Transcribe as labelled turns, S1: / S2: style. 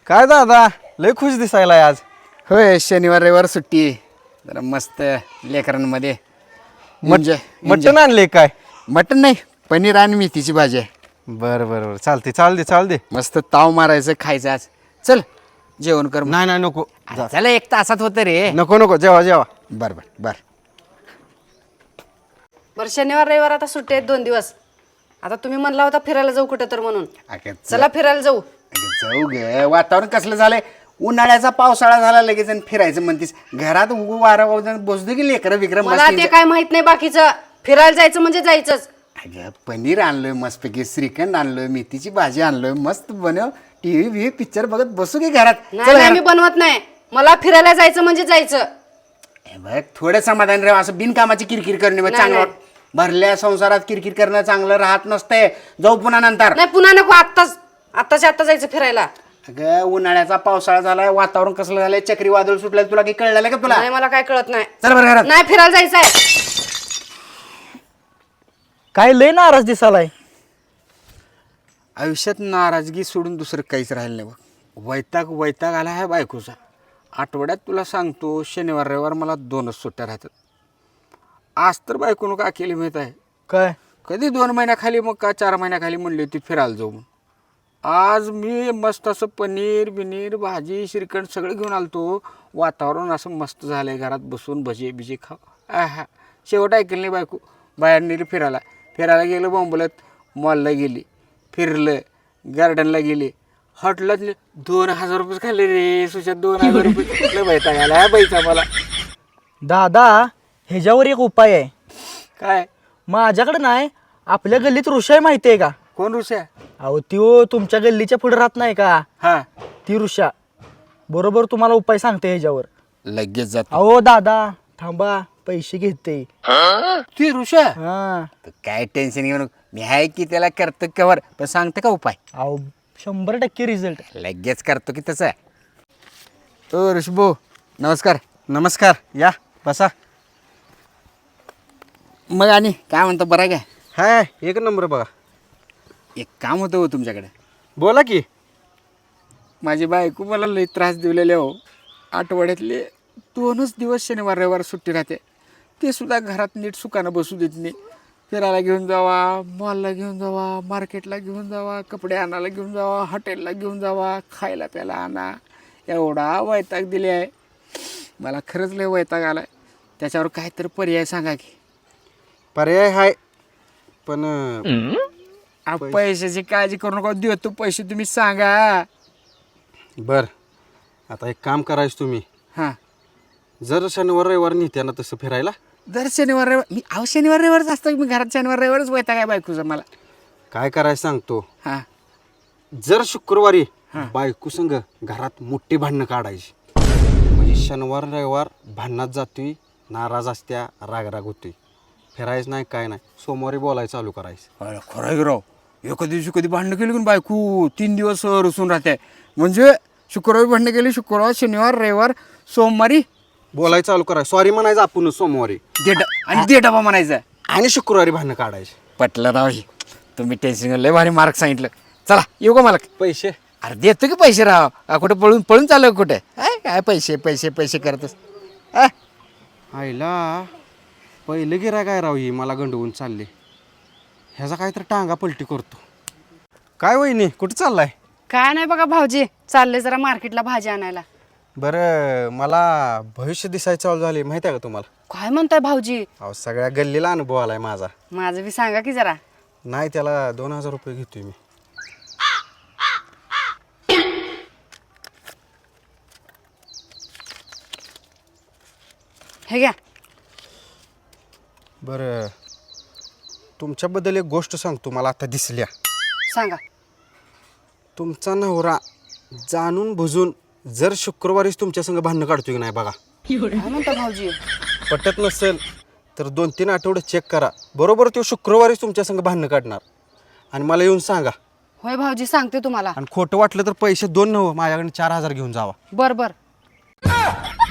S1: काय दादा लय खुश दिसायला आज.
S2: होय, शनिवार रविवार सुट्टी आहे. जरा मस्त लेकरांमध्ये
S1: मटण आणले काय?
S2: मटण नाही, पनीर आणि मेथीची भाजी आहे.
S1: बरं बरं बरं चालते.
S2: मस्त ताव मारायचं, खायचं आज. चल जेवण कर.
S1: नाही नको.
S2: चला 1 तासात होतं रे.
S1: नको जेवा.
S2: बर बर बर.
S3: बरं, शनिवार रविवार आता सुट्टी आहेत 2 दिवस. आता तुम्ही म्हणला होता फिरायला जाऊ कुठं तर म्हणून. चला फिरायला जाऊ.
S2: जाऊ गे. वातावरण कसलं झालंय, उन्हाळ्याचा पावसाळा झाला लगेच आणि फिरायचं म्हणतीस. घरात उगू वारं बसतो की लेकरं विक्रम.
S3: मला ते काय माहित नाही बाकीचं. फिरायला जायचं म्हणजे जायचंच.
S2: अगं पनीर आणलोय मस्तपैकी, श्रीखंड आणलोय, मेथीची भाजी आणलोय, मस्त बनव. टीव्ही पिक्चर बघत बसू की घरात.
S3: नाही मी बनवत नाही. मला फिरायला जायचं म्हणजे जायचं.
S2: बघ थोडं समाधान राहा. असं बिनकामाची किरकिर करणे चांगलं. भरल्या संसारात किरकिर करणं चांगलं राहत नसतंय. जाऊ पुन्हा नंतर.
S3: नाही पुन्हा नको. आत्ताच्या आत्ता जायचं फिरायला.
S2: अगं उन्हाळ्याचा पावसाळा झालाय, वातावरण कसलं झालंय, चक्रीवादळ सुटलंय. तुला काही कळलं का तुला?
S3: नाही मला काय कळत नाही.
S2: चल बरं घरात.
S3: नाही फिरायला जायचंय.
S1: काय लय नाराज दिसालाय.
S2: आयुष्यात नाराजगी सोडून दुसरं काहीच राहिलं नाही बघ. वैताग आला आहे बायकोचा. आठवड्यात तुला सांगतो शनिवार रविवार मला 2च सुट्ट्या राहतात. आज तर बायकोनं का केली माहीत आहे
S1: काय?
S2: कधी 2 महिन्याखाली मग का 4 महिन्याखाली म्हणली होती फिरायला जाऊ म्हणून. आज मी मस्त असं पनीर बिनीर भाजी श्रीखंड सगळं घेऊन आलतो. वातावरण असं मस्त झालं आहे, घरात बसून भजे बिजे खाऊ. शेवट ऐकलं नाही बायको. बाहेर नेली फिरायला गेलं. बोंबलत मॉलला गेली, फिरलं, गार्डनला गेली, हॉटेलात 2000 रुपये खाल्ले रे. सुशात 2000 रुपये कुठलं बायता घाला ह्या बाईचा मला.
S4: दादा ह्याच्यावर एक उपाय आहे.
S2: काय?
S4: माझ्याकडे नाही, आपल्या गल्लीत ऋषा माहिती आहे का?
S2: कोण ऋषा?
S4: अहो ती तुमच्या गल्लीच्या पुढे राहत नाही का?
S2: हा
S4: ती ऋषा बरोबर तुम्हाला उपाय सांगते ह्याच्यावर.
S2: लगेच जात.
S4: अहो दादा थांबा, पैसे घेते
S2: ती ऋषा?
S4: हा.
S2: काय टेन्शन घेऊ नको, मी आहे की त्याला करतो कवर. पण सांगते का उपाय?
S4: अहो 100% रिझल्ट.
S2: लगेच करतो की तसं. ओ ऋषभो
S1: नमस्कार या बसा.
S2: मग आणि काय म्हणतो, बरं काय?
S1: हाय एक नंबर बघा.
S2: एक काम होतं हो तुमच्याकडे.
S1: बोला की.
S2: माझी बायको मला लई त्रास दिलेले हो. आठवड्यातले 2च दिवस शनिवार रविवार सुट्टी राहते. ते सुद्धा घरात नीट सुखानं बसू देत नाही. फिरायला घेऊन जावा, मॉलला घेऊन जावा, मार्केटला घेऊन जावा, कपडे आणायला घेऊन जावा, हॉटेलला घेऊन जावा, खायला प्यायला आणा. एवढा वैताग दिले आहे मला. खरंच लय वैताग आला आहे. त्याच्यावर काहीतरी पर्याय सांगा की.
S1: पर्याय हाय पण
S2: पैशाची काळजी करू नका, देतो पैसे, तुम्ही सांगा.
S1: बर आता एक काम करायचं तुम्ही.
S2: हां
S1: जर शनिवार रविवार नेत्या ना तसं फिरायला.
S2: दर शनिवार रविवार मी शनिवार रविवारच असतं. मी घरात शनिवार रविवारच वैताग आहे बायकोचा मला.
S1: काय करायचं सांगतो.
S2: हां
S1: जर शुक्रवारी बायको संग घरात मोठी भांडणं काढायची, म्हणजे शनिवार रविवार भांडणात जातोय, नाराज असत्या, राग होतोय, फिरायचं नाही काय नाही, सोमवारी बोलायचं चालू करायचं.
S2: खरं आहे राव. एका दिवशी कधी भांडणं केली की बायको 3 दिवस रुसून राहते. म्हणजे शुक्रवारी भांडणं केली, शुक्रवार शनिवार रविवार सोमवारी
S1: बोलायचं चालू करायचं. सॉरी म्हणायचं आपण सोमवारी
S2: आणि दे डबा म्हणायचं
S1: आणि शुक्रवारी भांडणं काढायची.
S2: पटलं राव. तुम्ही टेन्शन लय भारी मार्क सांगितलं. चला येऊ का मला?
S1: पैसे
S2: अरे देतो की पैसे राव. कुठे पळून चालू कुठे? काय पैसे करतस.
S1: आईला पहिलं गिरा काय राव, ही मला गंडवून चालले. ह्याचा काहीतरी टांगा पलटी करतो. काय वहिनी कुठं चाललाय?
S3: काय नाही बघा भाऊजी, चालले जरा मार्केटला भाजी आणायला.
S1: बरं मला भविष्य दिसायचं चालू झाले माहिती आहे का तुम्हाला?
S3: काय म्हणताय भाऊजी?
S1: अहो सगळ्या गल्लीला अनुभव आलाय माझा.
S3: माझं बी सांगा की जरा.
S1: नाही त्याला 2000 रुपये घेतोय मी.
S3: हे घ्या.
S1: बरं तुमच्याबद्दल एक गोष्ट सांगतो, मला आता दिसल्या.
S3: सांगा.
S1: तुमचा नवरा जाणून बुजून जर शुक्रवारीच तुमच्या संग भांडणं काढतोय की नाही बघा.
S3: काय म्हणता भाऊजी?
S1: पटत नसेल तर 2-3 आठवडे चेक करा. बरोबर तो शुक्रवारीच तुमच्या संग भांडणं काढणार आणि मला येऊन सांगा.
S3: होय भाऊजी, सांगते तुम्हाला.
S1: आणि खोटं वाटलं तर पैसे 2 नव्हे, माझ्याकडे 4000 घेऊन जावा.
S3: बर